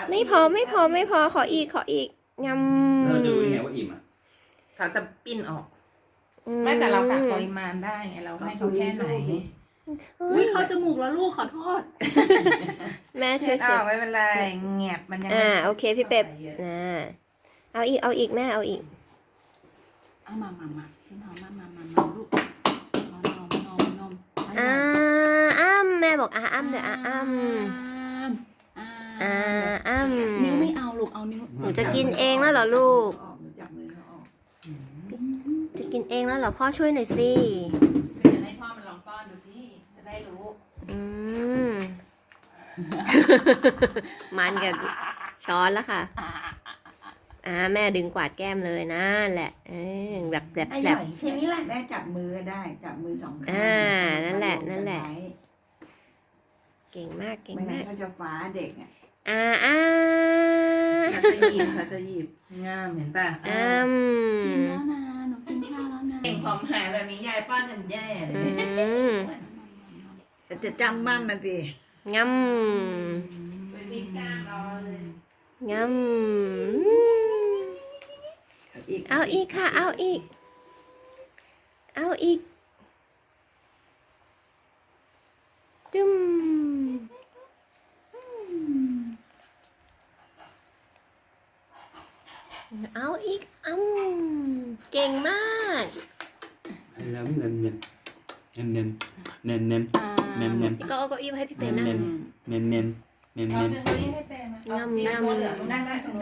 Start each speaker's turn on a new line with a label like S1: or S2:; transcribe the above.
S1: ไม่พอขออีกยำ
S2: เราจะรู้ยังไงว่าอิ่มอ่ะ
S3: เขาจะปิ้นออกไม่แต่เรากะปริมาณได้ไงเราให้เขาแค่ไหน
S4: อุ้ยเข้าจมูกแล้วลูกขอโทษ
S1: แม่ช่วย
S3: ออกไม่เป็นไรแงบมันยังไม่
S1: โอเคพี่เป๊ปเอาอีกแม่เอาอีก
S4: เอามาพี่น้องมาลูกนม
S1: แม่บอกอ้ำเดี๋ยวอ้ำ
S4: นิ้วไม่เอาลูกเอานิ้ว
S1: หนูจะกินเองแล้วเหรอลูก
S4: หนูจับมือเขาออก
S1: จะกินเองแล้วเหรอพ่อช่วยหน่อยสิ
S3: เดี๋ยวให้พ่อมันลองป้อนดูสิจะได้รู้
S1: มันกับช้อนแล้วค่ะแม่ดึงกวาดแก้มเลยนั่นแหละแบบ
S3: อร่อยใช่ไหมล่ะ
S4: แม่จับมือก็ได้จับมือสองข้าง
S1: นั่นแหละเก่งมาก
S4: ไม่งั้นเขาจะฟ้าเด็กอ่ะ
S3: เขาจะหยิบง่ามเห็นป่ะ
S4: กินแล้วนะหนูกินข้าวแล้วนะ
S3: เก่งผอมหายแบบนี้ยายป้อนจนแย่เลย
S4: จะจำมั่นนะสิ
S1: งำ
S3: ไปวิ่งกล้ามรอเลย
S1: งำเอาอีกค่ะเอาอีกจุ้มเอาอีกเก่งมาก
S2: แล้วเน้น
S1: ก็เอาเก้าอี้มาให้พี่เป๊นั่ง
S3: เอาเนื้อให้แปลมา
S1: งำ
S3: ตัวเหลืองนั่งได้ตรงนู้น